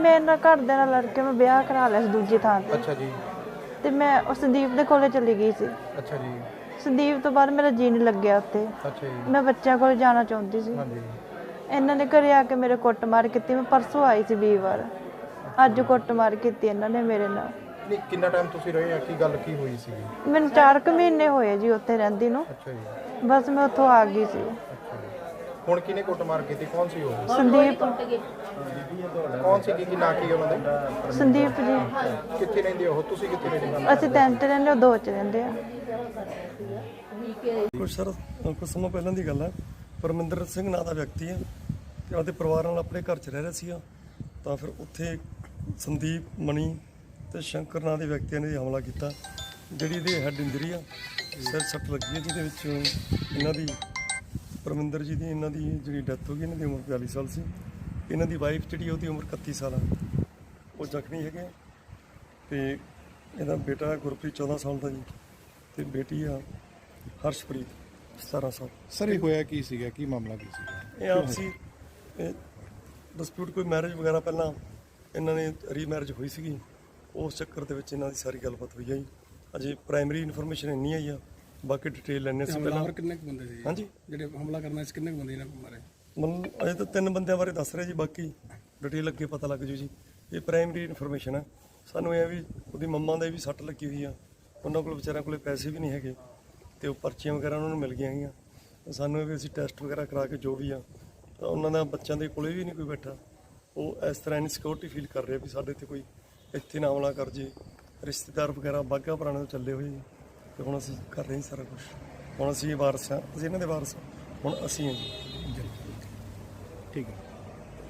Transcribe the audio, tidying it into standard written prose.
ਮੇਰੇ ਨਾਲ ਘਰਦਿਆਂ ਨਾਲ ਲੜ ਕੇ ਮੈਂ ਵਿਆਹ ਕਰਾ ਲਿਆ ਸੀ ਦੂਜੀ ਥਾਂ ਤੇ। ਅੱਛਾ ਜੀ। ਤੇ ਮੈਂ ਉਸ ਸੰਦੀਪ ਦੇ ਕੋਲੇ ਚਲੀ ਗਈ ਸੀ। ਅੱਛਾ ਜੀ। ਸੰਦੀਪ ਤੋਂ ਬਾਅਦ ਮੇਰਾ ਜੀ ਨਹੀਂ ਲੱਗਿਆ ਉੱਥੇ। ਅੱਛਾ ਜੀ। ਮੈਂ ਬੱਚਿਆਂ ਕੋਲ ਜਾਣਾ ਚਾਹੁੰਦੀ ਸੀ। ਹਾਂਜੀ। ਇਹਨਾਂ ਨੇ ਘਰੇ ਆ ਕੇ ਮੇਰੇ ਕੁੱਟਮਾਰ ਕੀਤੀ। ਮੈਂ ਪਰਸੋਂ ਆਈ ਸੀ ਵੀਰਵਾਰ, ਅੱਜ ਕੁੱਟਮਾਰ ਕੀਤੀ ਇਹਨਾਂ ਨੇ ਮੇਰੇ ਨਾਲ। ਨਹੀਂ, ਕਿੰਨਾ ਟਾਈਮ ਤੁਸੀਂ ਰਹੇ ਆ? ਕੀ ਗੱਲ ਕੀ ਹੋਈ ਸੀਗੀ? ਮੈਨੂੰ 4 ਮਹੀਨੇ ਹੋਏ ਜੀ ਉੱਥੇ ਰਹਿੰਦੀ ਨੂੰ। ਅੱਛਾ ਜੀ। ਬਸ ਮੈਂ ਉੱਥੋਂ ਆ ਗਈ ਸੀ। ਅੱਛਾ ਜੀ। ਹੁਣ ਕਿਹਨੇ ਕੁੱਟਮਾਰ ਕੀਤੀ? ਕੌਣ ਸੀ ਉਹ? ਸੰਦੀਪ। ਕੌਣ ਸੀ? ਕੀ ਨਾਂ ਕੀ ਉਹਨਾਂ ਦੇ? ਸੰਦੀਪ ਜੀ। ਕਿੱਥੇ ਰਹਿੰਦੇ ਉਹ? ਤੁਸੀਂ ਕਿੱਥੇ ਰਹਿੰਦੇ? ਅਸੀਂ 3 'ਚ ਰਹਿੰਦੇ, ਉਹ 2 'ਚ ਰਹਿੰਦੇ ਆ। ਕੁਛ ਸਮਾਂ ਪਹਿਲਾਂ ਦੀ ਗੱਲ ਹੈ। ਪਰਮਿੰਦਰ ਸਿੰਘ ਨਾਂ ਦਾ ਵਿਅਕਤੀ ਹੈ ਤੇ ਉਹਦੇ ਪਰਿਵਾਰ ਨਾਲ ਆਪਣੇ ਘਰ 'ਚ ਰਹਿ ਰਿਹਾ ਸੀਗਾ। ਤਾਂ ਫਿਰ ਉੱਥੇ ਸੰਦੀਪ, ਮਣੀ ਤੇ ਸ਼ੰਕਰ ਨਾਂ ਦੇ ਵਿਅਕਤੀਆਂ ਨੇ ਹਮਲਾ ਕੀਤਾ, ਜਿਹੜੀ ਇਹਦੇ ਹੈਡ ਇੰਜਰੀ ਆ, ਸਿਰ ਸੱਟ ਲੱਗੀ ਹੈ, ਜਿਹਦੇ ਵਿੱਚ ਇਹਨਾਂ ਦੀ ਪਰਮਿੰਦਰ ਜੀ ਦੀ ਇਹਨਾਂ ਦੀ ਜਿਹੜੀ ਡੈਥ ਹੋ ਗਈ। ਇਹਨਾਂ ਦੀ ਉਮਰ 42 ਸਾਲ ਸੀ। ਇਹਨਾਂ ਦੀ ਵਾਈਫ ਜਿਹੜੀ ਉਹਦੀ ਉਮਰ 31 ਸਾਲ ਆ, ਉਹ ਜ਼ਖਮੀ ਹੈਗੇ। ਤੇ ਇਹਦਾ ਬੇਟਾ ਗੁਰਪ੍ਰੀਤ 14 ਸਾਲ ਦਾ ਜੀ, ਤੇ ਬੇਟੀ ਆ ਹਰਸ਼ਪ੍ਰੀਤ 17 ਸਾਲ। ਸਰ, ਇਹ ਹੋਇਆ ਕੀ ਸੀਗਾ? ਕੀ ਮਾਮਲਾ ਕੀ ਸੀਗਾ? ਇਹ ਆਪਸੀ ਡਿਸਪਿਊਟ, ਕੋਈ ਮੈਰਿਜ ਵਗੈਰਾ ਪਹਿਲਾਂ ਇਹਨਾਂ ਨੇ ਰੀਮੈਰਿਜ ਹੋਈ ਸੀਗੀ, ਉਸ ਚੱਕਰ ਦੇ ਵਿੱਚ ਇਹਨਾਂ ਦੀ ਸਾਰੀ ਗੱਲਬਾਤ ਹੋਈ ਆ ਜੀ। ਅਜੇ ਪ੍ਰਾਇਮਰੀ ਇਨਫੋਰਮੇਸ਼ਨ ਇੰਨੀ ਆਈ ਆ, ਬਾਕੀ ਡਿਟੇਲ ਲੈਣੇ ਸੀ ਪਹਿਲਾਂ। ਕਿੰਨੇ ਕੁ ਬੰਦੇ ਸੀ? ਹਾਂਜੀ, ਜਿਹੜੇ ਹਮਲਾ ਕਰਨਾ ਸੀ, ਕਿੰਨੇ ਕੁ ਬੰਦੇ ਇਹਨਾਂ ਕੋਲ ਮਾਰੇ? ਮਤਲਬ ਅਜੇ ਤਾਂ 3 ਬੰਦਿਆਂ ਬਾਰੇ ਦੱਸ ਰਹੇ ਜੀ, ਬਾਕੀ ਡਿਟੇਲ ਅੱਗੇ ਪਤਾ ਲੱਗ ਜੂ ਜੀ। ਇਹ ਪ੍ਰਾਇਮਰੀ ਇਨਫੋਰਮੇਸ਼ਨ ਆ। ਸਾਨੂੰ ਇਹ ਵੀ ਉਹਦੀ ਮੰਮਾ ਦੇ ਵੀ ਸੱਟ ਲੱਗੀ ਹੋਈ ਆ, ਉਹਨਾਂ ਕੋਲ ਵਿਚਾਰਿਆਂ ਕੋਲ ਪੈਸੇ ਵੀ ਨਹੀਂ ਹੈਗੇ, ਤੇ ਉਹ ਪਰਚੀਆਂ ਵਗੈਰਾ ਉਹਨਾਂ ਨੂੰ ਮਿਲ ਗਈਆਂ ਹੈਗੀਆਂ। ਸਾਨੂੰ ਇਹ ਵੀ ਅਸੀਂ ਟੈਸਟ ਵਗੈਰਾ ਕਰਾ ਕੇ ਜੋ ਵੀ ਆ, ਤਾਂ ਉਹਨਾਂ ਦਾ ਬੱਚਿਆਂ ਦੇ ਕੋਲੇ ਵੀ ਨਹੀਂ ਕੋਈ ਬੈਠਾ। ਉਹ ਇਸ ਤਰ੍ਹਾਂ ਇਨਸਿਕਿਉਰਿਟੀ ਫੀਲ ਕਰ ਰਹੇ ਵੀ ਸਾਡੇ ਤੇ ਕੋਈ ਇੱਥੇ ਨਾ ਹਮਲਾ ਕਰ ਜੇ। ਰਿਸ਼ਤੇਦਾਰ ਵਗੈਰਾ ਬਾਘਾ ਪੁਰਾਣੇ ਤੋਂ ਚੱਲੇ ਹੋਏ, ਤੇ ਹੁਣ ਅਸੀਂ ਕਰ ਰਹੇ ਹਾਂ ਸਾਰਾ ਕੁਛ। ਹੁਣ ਅਸੀਂ ਵਾਰਸ ਹਾਂ, ਅਸੀਂ ਇਹਨਾਂ ਦੇ ਵਾਰਸ ਹਾਂ, ਹੁਣ ਅਸੀਂ ਹਾਂ ਜੀ। ਠੀਕ ਹੈ।